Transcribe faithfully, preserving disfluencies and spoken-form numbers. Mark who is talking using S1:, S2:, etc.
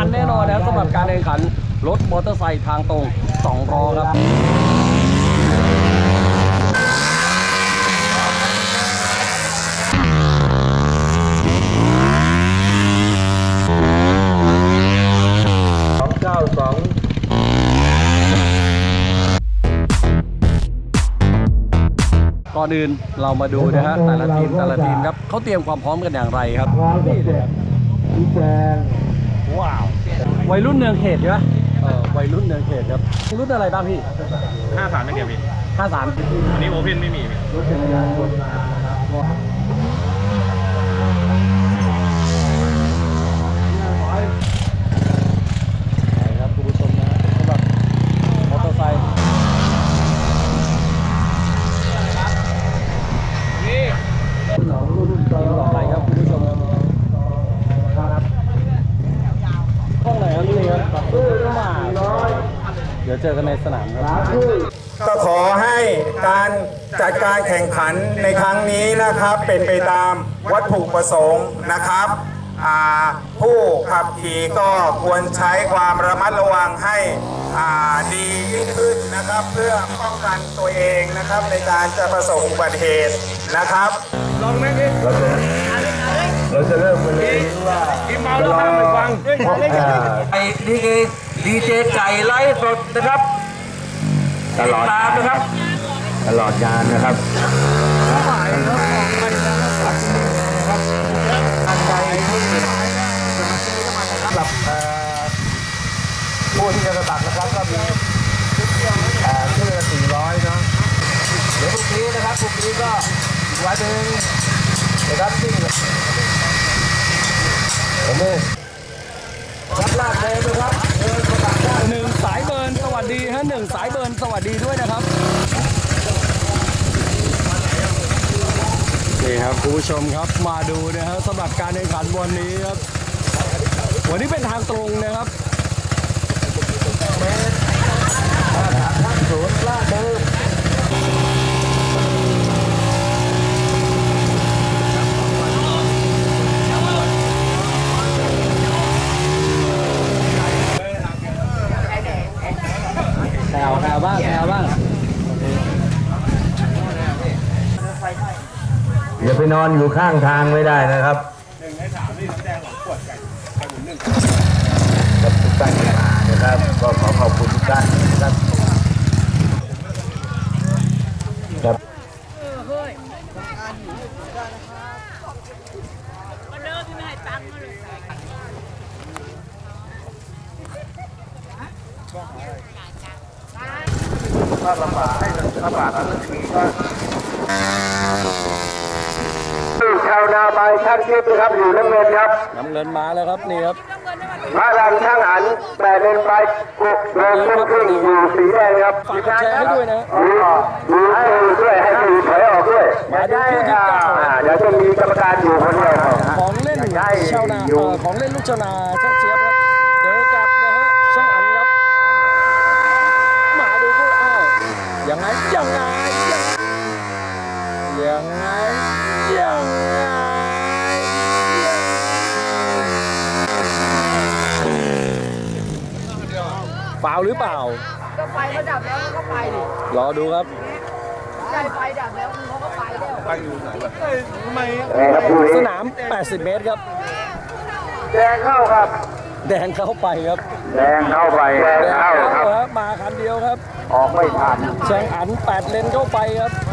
S1: มันแน่นอนนะสำหรับการแข่งขันรถมอเตอร์ไซค์ทางตรงสองล้อครับ
S2: เก้าสอง
S1: ก่อนอื่นเรามาดูนะฮะแต่ละทีมแต่ละทีมครับเขาเตรียมความพร้อมกันอย่างไรครับนี่เลยชี้แจงว้าววัยรุ่นเนืองเขตใช่ไหมเออวัยรุ่นเนืองเขตครับรุ่นอะไรบ้างพี่
S3: ห้าสามไม่เดียวพี่
S1: ห้าสาม
S3: วันนี้โอเพนไม่มีพี่
S1: รถจักรยานยนต์มานะครับครับคุณผู้ชมนะสำหรับมอเตอร์ไซค์นี่ต่อไปครับคุณผู้ชมครับห้องไหนครับนี่ครับมาเดี๋ยวเจอกันในสนามครับ
S2: ก็ขอให้การจัดการแข่งขันในครั้งนี้นะครับเป็นไปตามวัตถุประสงค์นะครับผู้ขับขี่ก็ควรใช้ความระมัดระวังให้ดียิ่งขึ้นนะครับเพื่อป้องกันตัวเองนะครับในการจะประสบอุบัติเหตุนะครับลองไหมพี่เราจะเราจะเริ่มกันเลยว่ากินเมาแล้วห้ามไม่ฟัง
S1: ไอ้นี่คือดีเจไก่ไลฟ์สดนะครับ
S2: ตลอด
S1: นะครับ
S2: ตลอดงานนะครับสำหรับผู้ที่จะสมัครนะครับก็มีชื่อละสี่ร้อยเนาะเดี๋ยวพรุ่งนี้นะครับพรุ่งนี้ก็อีกวันหนึ่งนะครับที่ผมนี่รับลาดเลยนะครับเดินสมัครได้
S1: หนึ่งสายเบิร์นสวัสดีฮะหนึ่งสายเบิร์นสวัสดีด้วยนะครับนี่ครับคุณผู้ชมครับมาดูนะครับสำหรับการแข่งขันวันนี้ครับวันนี้เป็นทางตรงนะครับ
S2: ศูนย์ลาดเดิม
S1: แถวแถวบ้างแถวบ้าง
S2: อย่าไปนอนอยู่ข้างทางไม่ได้นะครับ
S3: หนึ่งในสามนี่น้ำแดงหลังขวดไก่ไก่หมุนหนึ่ง
S2: กับทุกท่านที่มานะครับก็ขอขอบคุณทุกท่านนะครับครับถ้าลำบากให้ลำบากอะไรทีก็ชาวนาใบช่างทิพย์นะครับอยู่น้ำเงินครับ
S1: น้ำเงินมาแล้วครับนี่ครับ
S2: พระรันช่างอันแปดเลนใบกุกโดนต้นครึ่งอยู่สีแดงครับ
S1: ฝากกดแชร์ให้ด้วยนะ
S2: ดูให้ด้วยให้ดูถอยออกด้วย
S1: มาดูคู่ที่เก้า
S2: เดี๋ยวจะมีกรรมการอยู่คนเดียว
S1: ของเล่นชาวนาของเล่นลูกชาวนาช่างเจี๊ยบครับเจอกับนะฮะช่างอันครับมาดูคู่อ้าวยังไงยังไงยังไงยังไงเปล่าหรือเปล่า
S4: ก็ไฟก็ดับแล้วก็ไปดิ
S1: รอดูครับ
S4: ใช่ไฟดับแล้วเขาก็ไปแล้วไปอยู่ไหนวะ
S1: ทำไมสนามแปดสิบเมตรครับ
S2: แดงเข้าครับ
S1: แดงเข้าไปครับ
S2: แดงเข้าไปแดงเข้าครับ
S1: มาคันเดียวครับ
S2: ออกไม่ทัน
S1: แซงอันแปดเลนเข้าไปครับ